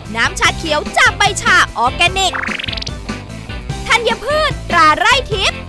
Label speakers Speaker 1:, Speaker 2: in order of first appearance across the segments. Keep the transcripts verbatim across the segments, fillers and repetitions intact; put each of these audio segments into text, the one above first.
Speaker 1: น้ำชาเขียวจากใบชาออร์แกนิกธัญพืชตราไร่ทิพย์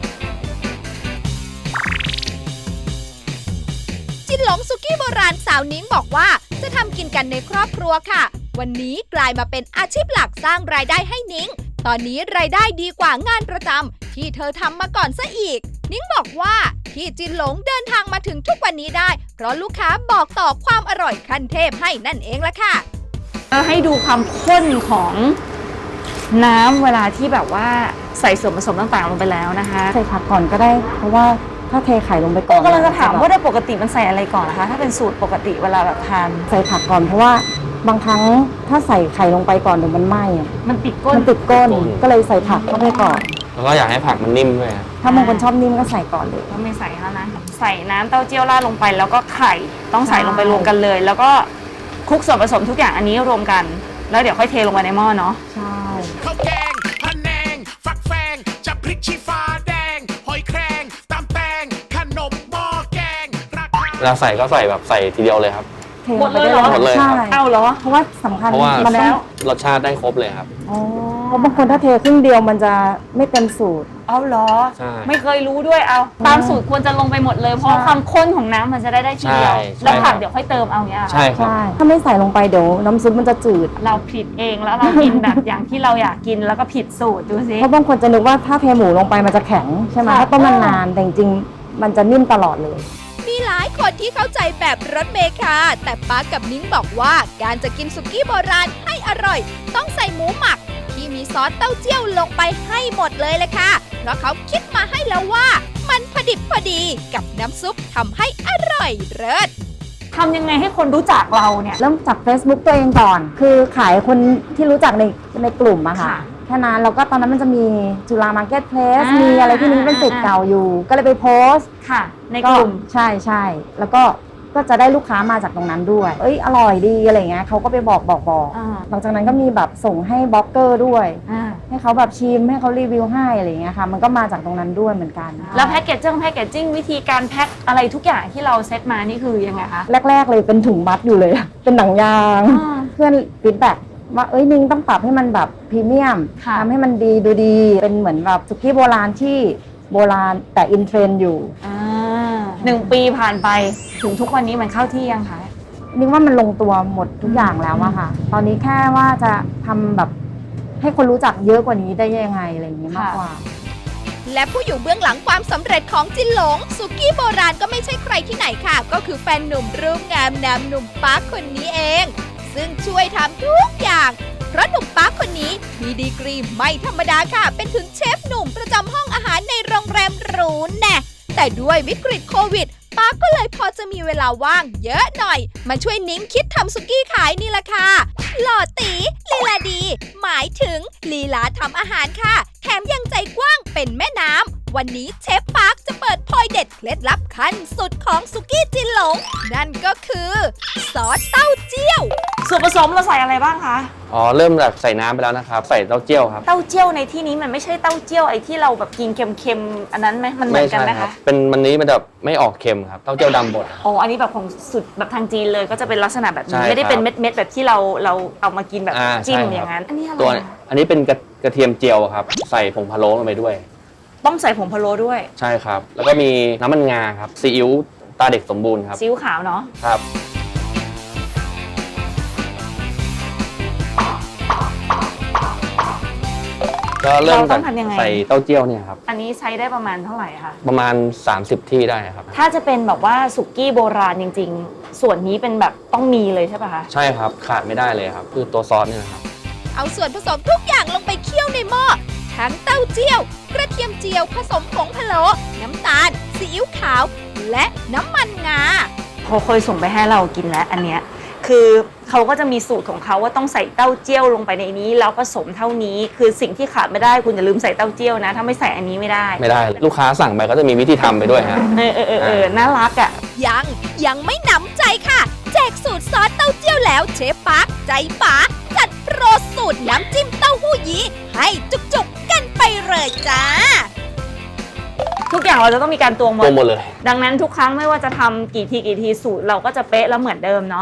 Speaker 1: จินหลงสุกี้โบราณสาวนิ้งบอกว่าจะทำกินกันในครอบครัวค่ะวันนี้กลายมาเป็นอาชีพหลักสร้างรายได้ให้นิ้งตอนนี้รายได้ดีกว่างานประจำที่เธอทำมาก่อนซะอีกนิ้งบอกว่าที่จินหลงเดินทางมาถึงทุกวันนี้ได้เพราะลูกค้าบอกต่อความอร่อยขั้นเทพให้นั่นเองละค่ะ
Speaker 2: ให้ดูความข้นของน้ำเวลาที่แบบว่าใส่ส่วนผสมต่างๆลงไปแล้วนะคะ
Speaker 3: ใส่ผักก่อนก็ได้เพราะว่าถ้าเทไข่ลงไปก่อน
Speaker 2: ก็กำลังจะถามว่าโดยปกติมันใส่อะไรก่อนนะคะถ้าเป็นสูตรปกติเวลาแบบทาน
Speaker 3: ใส่ผักก่อนเพราะว่าบางครั้งถ้าใส่ไข่ลงไปก่อนเดี๋ยวมันไหม้
Speaker 2: มันติดก้น
Speaker 3: มันติดก้นก็เลยใส่ผักเข้าไปก่อน
Speaker 4: แล้วก็อยากให้ผักมันนิ่มด้วย
Speaker 3: ถ้าบางคนชอบนิ่มก็ใส่ก่อนเลย
Speaker 2: ก็ไม่ใส่แล้วนะใส่น้ำเต้าเจี้ยวราดลงไปแล้วก็ไข่ต้องใส่ลงไปรวมกันเลยแล้วก็คลุกส่วนผสมทุกอย่างอันนี้รวมกันแล้วเดี๋ยวค่อยเทลงไปในหม้อเนาะ
Speaker 3: ใช่
Speaker 5: ข้าวแกงพะแนงฟักแฟงจะพริกชี้ฟ้าแดงหอยแครงตำแตงขนมหม้อแกงราคา
Speaker 4: เวลาใส่ก็ใส่แบบใส่ทีเดียวเลยครับ
Speaker 2: หมดเลยเหรอ
Speaker 4: หมดเลยครับ
Speaker 2: เอาเหรอ
Speaker 3: เพราะว่าสำคัญ
Speaker 4: เพราะว่า
Speaker 3: มันแล้ว
Speaker 4: รสชาติได้ครบเลยครับ
Speaker 3: อ๋อเพราะบางคนถ้าเทครึ่งเดียวมันจะไม่เต็มสูตร
Speaker 2: เอาเหรอ
Speaker 4: ใช่
Speaker 2: ไม่เคยรู้ด้วยเอาตามสูตรควรจะลงไปหมดเลยเพราะความข้นของน้ำมันจะได้ได้ทีเดียวแล้วผักเดี๋ยวค่อยเติมเอาเนี้ย
Speaker 4: ใช่ครับ
Speaker 3: ถ้าไม่ใส่ลงไปเดี๋ยวน้ำซุปมันจะจืด
Speaker 2: เราผิดเองแล้วเรากินแบบอย่างที่เราอยากกินแล้วก็ผิดสูตรดูสิ
Speaker 3: เพราะบางคนจะนึกว่าถ้าเทหมูลงไปมันจะแข็งใช่ไหมถ้าต้มนานๆแต่จริงๆมันจะนิ่มตลอดเลย
Speaker 1: มีหลายคนที่เข้าใจแบบรถเมล์ค่ะแต่ป๊ากับนิ้งบอกว่าการจะกินสุกี้โบราณให้อร่อยต้องใส่หมูหมักที่มีซอสเต้าเจี้ยวลงไปให้หมดเลยเลยค่ะเพราะเขาคิดมาให้แล้วว่ามันพอดิบพอดีกับน้ำซุปทำให้อร่อยเลิศ
Speaker 2: ทำยังไงให้คนรู้จักเราเนี่ย
Speaker 3: เริ่มจาก Facebook ตัวเองก่อนคือขายคนที่รู้จักในในกลุ่มอะค่ะแค่นั้นแล้วก็ตอนนั้นมันจะมีจุฬามาร์เก็ตเพลสมีอะไรที่นิ้งเป็นสิทธิ์เก่าอยู่ก็เลยไปโพสต์
Speaker 2: ค่ะในกลุ่ม
Speaker 3: ใช่ใช่แล้วก็ก็จะได้ลูกค้ามาจากตรงนั้นด้วยเอ้ยอร่อยดีอะไรเงี้ยเขาก็ไปบอกบอกบอกหลังจากนั้นก็มีแบบส่งให้บล็อกเกอร์ด้วยให้เขาแบบชิมให้เขารีวิวให้อะไรเงี้ยค่ะมันก็มาจากตรงนั้นด้วยเหมือนกัน
Speaker 2: แล้วแพ็กเกจจิ้งแพ็กเกจจิ้งวิธีการแพ็คอะไรทุกอย่างที่เราเซตมานี่คือยังไงคะ
Speaker 3: แรกๆเลยเป็นถุงมัดอยู่เลยเป็นหนังยางเพื่อนฟีดแบ็กว่าเอ้ยนิ้งต้องปรับให้มันแบบพรีเมียมทำให้มันดีดูดีเป็นเหมือนแบบสุกี้โบราณที่โบราณแต่อินเทรนด์อยู่
Speaker 2: หนึ่งปีผ่านไปถึงทุกวันนี้มันเข้าที่ยังคะ
Speaker 3: นิ้งว่ามันลงตัวหมดทุกอย่างแล้วอะค่ะตอนนี้แค่ว่าจะทำแบบให้คนรู้จักเยอะกว่านี้ได้ยังไงอะไรอย่างนี้มากกว่า
Speaker 1: และผู้อยู่เบื้องหลังความสำเร็จของจินหลงสุกี้โบราณก็ไม่ใช่ใครที่ไหนค่ะก็คือแฟนหนุ่มรูปงามนามหนุ่มปาร์คคนนี้เองซึ่งช่วยทำทุกอย่างเพราะหนุ่มปาร์คคนนี้มีดีกรีไม่ธรรมดาค่ะเป็นถึงเชฟหนุ่มประจำห้องอาหารในโรงแรมหรูแน่แต่ด้วยวิกฤตโควิดปาร์คก็เลยพอจะมีเวลาว่างเยอะหน่อยมาช่วยนิ้งคิดทำสุกี้ขายนี่แหละค่ะหล่อตีลีลาดีหมายถึงลีลาทำอาหารค่ะแถมยังใจกว้างเป็นแม่น้ำวันนี้เชฟปาร์คจะเปิดพอยเด็ดเคล็ดลับขั้นสุดของสุกี้จินหลงนั่นก็คือซอสเต้าเจี้ยว
Speaker 2: ส่วนผสมเราใส่อะไรบ้างคะ
Speaker 4: อ๋อเริ่มแบบใส่น้ำไปแล้วนะครับใส่เต้าเจี้ยวครับ
Speaker 2: เต้าเจี้ยวในที่นี้มันไม่ใช่เต้าเจี้ยวไอ้ที่เราแบบกินเค็มๆอันนั้นไหมมันเหมือนกันไหมคะ
Speaker 4: เป็นมันนี้มันแบบไม่ออกเค็มครับเต้าเจี้ยวดำบด
Speaker 2: อ๋ออันนี้แบบของสุดแบบทางจีนเลยก็จะเป็นลักษณะแบบนี้ไม่ได้เป็นเม็ดๆแบบที่เราเราเอามากินแบบจิ้มอย่างนั้นอันนี้อะไร
Speaker 4: ตัวอันนี้เป็นกระเทียมเจียวครับใส่ผงพะโล้ลงไปด้วย
Speaker 2: ต้องใส่ผงพะโล้ด้วย
Speaker 4: ใช่ครับแล้วก็มีน้ำมันงาครับซีอิ๊วตาเด็กสมบูรณ์ครับ
Speaker 2: ซีอิ๊วขาวเนาะ
Speaker 4: ครับก็เริ่มจากใส่เต้าเจี้ยวเนี่ยครับ
Speaker 2: อันนี้ใช้ได้ประมาณเท่าไหร่คะ
Speaker 4: ประมาณสามสิบที่ได้ครับ
Speaker 2: ถ้าจะเป็นแบบว่าสุกี้โบราณจริงๆส่วนนี้เป็นแบบต้องมีเลยใช่ป่ะคะ
Speaker 4: ใช่ครับขาดไม่ได้เลยครับคือตัวซอสเนี่ยครับ
Speaker 1: เอาส่วนผสมทุกอย่างลงไปเคี่ยวในหม้อทั้งเต้าเจี้ยวกระเทียมเจียวผสมผงพะโล้น้ำตาลซีอิ๊วขาวและน้ำมันงา
Speaker 2: เขาเคยส่งไปให้เรากินแล้วอันเนี้ยคือเขาก็จะมีสูตรของเขาว่าต้องใส่เต้าเจี้ยวลงไปในนี้แล้วผสมเท่านี้คือสิ่งที่ขาดไม่ได้คุณอย่าลืมใส่เต้าเจี้ยวนะถ้าไม่ใส่อันนี้ไม่ได้
Speaker 4: ไม่ได้เลยลูกค้าสั่งไปก็จะมีวิธีทำไปด้วยฮะ
Speaker 2: เออเออเออน่ารักอ่ะ
Speaker 1: ยังยังไม่หนำใจค่ะแจกสูตรซอสเต้าเจี้ยวแล้วเชฟปาร์คใจป๋าจัดโปรสูตรน้ำจิ้มเต้าหู้ยี้ให้จุกๆกันไปเลยจ้า
Speaker 2: ทุกอย่างเราจะต้องมีการตวงหมด
Speaker 4: ตวงหมดเลย
Speaker 2: ดังนั้นทุกครั้งไม่ว่าจะทำกี่ทีกี่ทีสูตรเราก็จะเป๊ะแล้วเหมือนเดิมเนาะ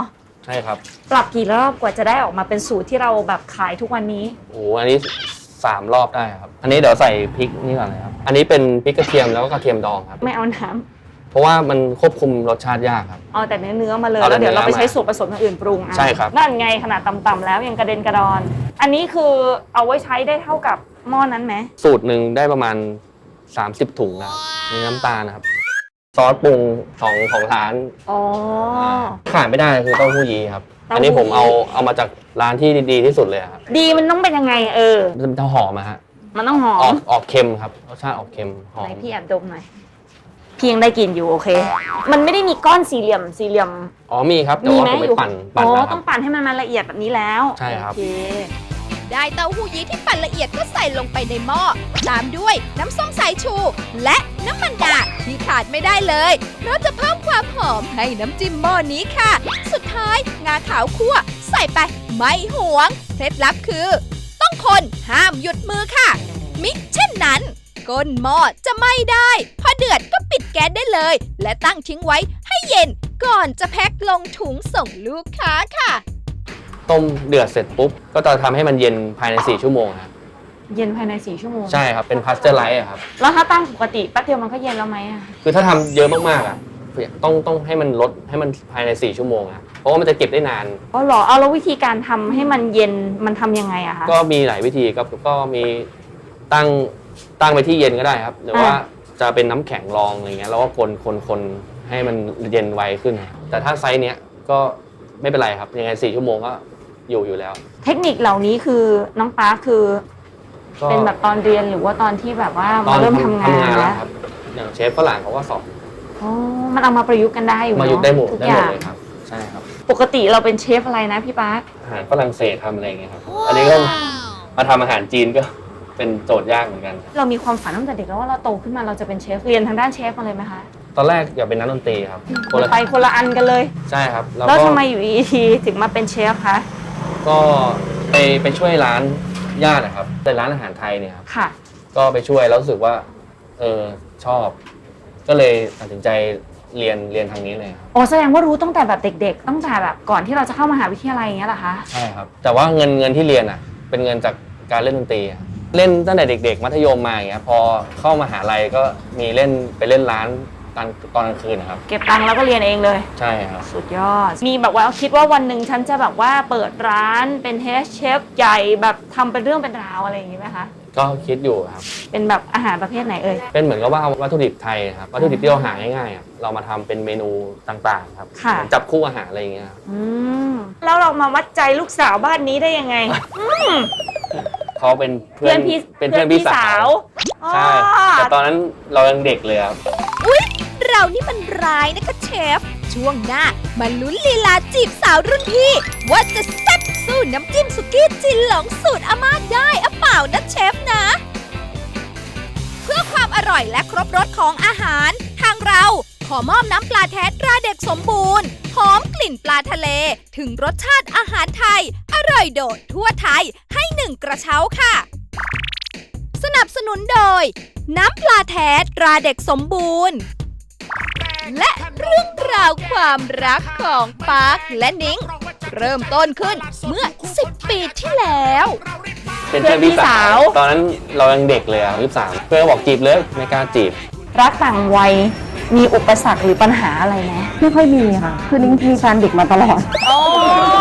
Speaker 4: ใช่ครับ
Speaker 2: ปรับกี่รอบกว่าจะได้ออกมาเป็นสูตรที่เราแบบขายทุกวันนี้
Speaker 4: โอ้โหอันนี้สามรอบได้ครับอันนี้เดี๋ยวใส่พริกนี่ก่อนเลยครับอันนี้เป็นพริกกระเทียมแล้วก็กระเทียมดองครับ
Speaker 2: ไม่เอาน้ำ
Speaker 4: เพราะว่ามันควบคุมรสชาติยากครับ
Speaker 2: เอาแต่เนื้อเนื้อมาเลย
Speaker 4: เอาแต่
Speaker 2: แล้วเดี๋ยวเราไป
Speaker 4: เนื้อมา
Speaker 2: ใช้ส่วนผสมอย่างอื่นปรุงอ่ะ
Speaker 4: ใช่ครับ
Speaker 2: นั่นไงขนาดต่ำๆแล้วยังกระเด็นกระดอน อันนี้คือเอาไว้ใช้ได้เท่ากับหม้อนั้นไหม
Speaker 4: สูตรหนึ่งได้ประมาณสามสิบถุงนะครับมีน้ำตาลนะครับซอสปรุงของของร้าน
Speaker 2: อ๋อ
Speaker 4: ขาดไม่ได้คือเต้าหู้ยี้ครับ
Speaker 2: เต้าหู้
Speaker 4: อันนี้ผมเอาเอามาจากร้านที่ดีที่สุดเลยครับ
Speaker 2: ดีมันต้องเป็นยังไงเออ
Speaker 4: มันจะหอมอะฮะ
Speaker 2: มันต้องหอ
Speaker 4: ออก
Speaker 2: ม
Speaker 4: ออกเค็มครับรสชาติออกเค็มหอ
Speaker 2: ไหน
Speaker 4: ม
Speaker 2: พี่แอบดมหน่อยพี่ยังได้กลินอยู่โอเค มันไม่ได้มีก้อนสี่เหลี่ยมสี่เหลี่ยม
Speaker 4: อ๋อมีครับแต่
Speaker 2: มี
Speaker 4: ว่า
Speaker 2: ไหม
Speaker 4: ผมไป
Speaker 2: อยู่
Speaker 4: ปั่นปั่น
Speaker 2: อ๋อ
Speaker 4: แล้วค
Speaker 2: ต้
Speaker 4: รั
Speaker 2: อบ งปั่นให้มันมาละเอียดแบบนี้แล้ว
Speaker 4: ใช่ครับ
Speaker 2: โอเค
Speaker 1: ได้เต้าหู้ยี้ที่ปั่นละเอียดก็ใส่ลงไปในหม้อ ตามด้วยน้ำส้มสายชู และน้ำมันดาที่ขาดไม่ได้เลย เพราะจะเพิ่มความหอมให้น้ำจิ้มหม้อนี้ค่ะ สุดท้ายงาขาวคั่ว ใส่ไปไม่หวง เคล็ดลับคือ ต้องคนห้ามหยุดมือค่ะ มิเช่นนั้น ก้นหม้อจะไหม้ได้ พอเดือดก็ปิดแก๊สได้เลย และตั้งทิ้งไว้ให้เย็นก่อนจะแพ็คลงถุงส่งลูกค้าค่ะ
Speaker 4: ต้มเดือดเสร็จปุ๊บก็จะทำให้มันเย็นภายในสี่ชั่วโมงครับ
Speaker 2: เย็นภายในสี่ชั่วโมง
Speaker 4: ใช่ครับเป็นพาสเจอร์ไลท์อะครับ
Speaker 2: แล้วถ้าตั้งปกติแป๊บเดียวมันก็เย็นแล้วไหมอ่ะ
Speaker 4: คือถ้าทำเยอะมากๆอะต้องต้องให้มันลดให้มันภายในสี่ชั่วโมงอะเพราะว่ามันจะเก็บได้นาน
Speaker 2: อ๋อเหรอเอาแล้ววิธีการทำให้มันเย็นมันทำยังไงอะคะ
Speaker 4: ก็มีหลายวิธีก็ก็มีตั้งตั้งไปที่เย็นก็ได้ครับหรือว่า
Speaker 2: อ่า
Speaker 4: จะเป็นน้ำแข็งรองอะไรเงี้ยแล้วก็คนคนคนให้มันเย็นไวขึ้น แต่ถ้าไซส์เนี้ยก็ไม่เป็นไรครับยังไงสี่ชั่วโมงก็อยู่อยู่แล้ว
Speaker 2: เทคนิคเหล่านี้คือน้องป๊าคือ
Speaker 4: ก็
Speaker 2: เป็นแบบตอนเรียนหรือว่าตอนที่แบบว่า
Speaker 4: ตอ
Speaker 2: มาน เริ่มทำงาน
Speaker 4: ทำงาน
Speaker 2: แล้
Speaker 4: แล้ว วครับอย่างเชฟฝรั่งเขาก็สอน
Speaker 2: อ๋อมันเอามาประยุกต์กันได้อยู่
Speaker 4: มายุกต์ได้หมด
Speaker 2: ทุก
Speaker 4: ได้
Speaker 2: อ
Speaker 4: หมด
Speaker 2: ย่าง
Speaker 4: เลยครับใช่ครับ
Speaker 2: ปกติเราเป็นเชฟอะไรนะพี่ป๊า
Speaker 4: อาหารฝรั่งเศสทำอะไรอย่างเงี้ยครับอันนี้ก็มาทำอาหารจีนก็เป็นโจทย์ยากเหมือนกัน
Speaker 2: เรามีความฝันตั้งแต่เด็กแล้วว่าเราโตขึ้นมาเราจะเป็นเชฟเรียนทางด้านเชฟมาเลยไหมคะ
Speaker 4: ตอนแรกอยากเป็นนักดนตรีครับคนละ
Speaker 2: ไปคนละอันกันเลย
Speaker 4: ใช่ครับแล้ว
Speaker 2: แล้ว
Speaker 4: ก็
Speaker 2: ทำไมอยู่ดีๆถึงมาเป็นเชฟคะ
Speaker 4: ก็ไปไปช่วยร้านญาตินะครับเป็นร้านอาหารไทยเนี่ยครับ
Speaker 2: ค่ะ
Speaker 4: ก็ไปช่วยแล้วรู้สึกว่าเออชอบ ก็เลยตัดสินใจเรียนเรียนทางนี้เลยครับ
Speaker 2: โอ้แสดงว่ารู้ตั้งแต่แบบเด็กๆตั้งแต่แบบก่อนที่เราจะเข้ามหาวิทยาลัยอย่างเงี้ยเหรอคะ
Speaker 4: ใช่ครับแต่ว่าเงินเงินที่เรียนอ่ะเป็นเงินจากการเล่นดนตรีอะเล่นตั้งแต่เด็ก ๆ มัธยมมาอย่างเงี้ยพอเข้ามหาลัยก็มีเล่นไปเล่นร้านตอนตอนกลางคืนนะครับ
Speaker 2: เก็บตังค์แล้วก็เรียนเองเลย
Speaker 4: ใช่ครับ
Speaker 2: สุดยอด มีแบบว่าคิดว่าวันหนึ่งฉันจะแบบว่าเปิดร้านเป็นเฮดเชฟใหญ่แบบทำเป็นเรื่องเป็นราวอะไรอย่างงี้ไหมคะ
Speaker 4: ก็คิดอยู่ครับ
Speaker 2: เป็นแบบอาหารประเภทไหนเอ่ย
Speaker 4: เป็นเหมือนกับว่าเอาวัตถุดิบไทยครับวัตถุดิบที่เราหาง่ายๆอะเรามาทำเป็นเมนูต่างๆครับ
Speaker 2: ค่ะ
Speaker 4: เหมือนจับคู่อาหารอะไรอย่างเงี้ยครับ
Speaker 2: อืมแล้วเรามาวัดใจลูกสาวบ้านนี้ได้ยังไง
Speaker 4: เขาเป็นเพื่
Speaker 2: เพื่
Speaker 4: อ
Speaker 2: อน นพี่
Speaker 4: เป็นเพื่อนพี่สาว ใช่
Speaker 2: อ๋อ
Speaker 4: แต่ตอนนั้นเรายังเด็กเลยครับ
Speaker 1: อุ๊ย เรานี่มันร้ายนะคะเชฟ ช่วงหน้ามาลุ้นลีลาจีบสาวรุ่นพี่ ว่าจะแซ่บสู้น้ำจิ้มสุกี้จินหลงสูตรอาม่าได้อะเปล่านะเชฟนะ เพื่อความอร่อยและครบรสของอาหาร ทางเราขอมอบน้ำปลาแท้ตราเด็กสมบูรณ์ หอมกลิ่นปลาทะเล ถึงรสชาติอาหารไทย อร่อยโดดทั่วไทยให้หนึ่งกระเช้าค่ะ สนับสนุนโดย น้ำปลาแท้ตราเด็กสมบูรณ์ และเรื่องราวความรักของปาร์คและนิ้ง เริ่มต้นขึ้นเมื่อสิบปีที่แล้ว
Speaker 4: เป็นเพื่อนพี่สาว ตอนนั้นเรายังเด็กเลยอ่ะยี่สิบสามเพื่อนบอกจีบเลยไม่กล้าจีบ
Speaker 2: รักต่างวัยมีอุปสรรคหรือปัญหาอะไรไหม
Speaker 3: ไม่ค่อยมีค่ะ คือนิ้งมีแฟนเด็กมาตลอด
Speaker 2: โอ้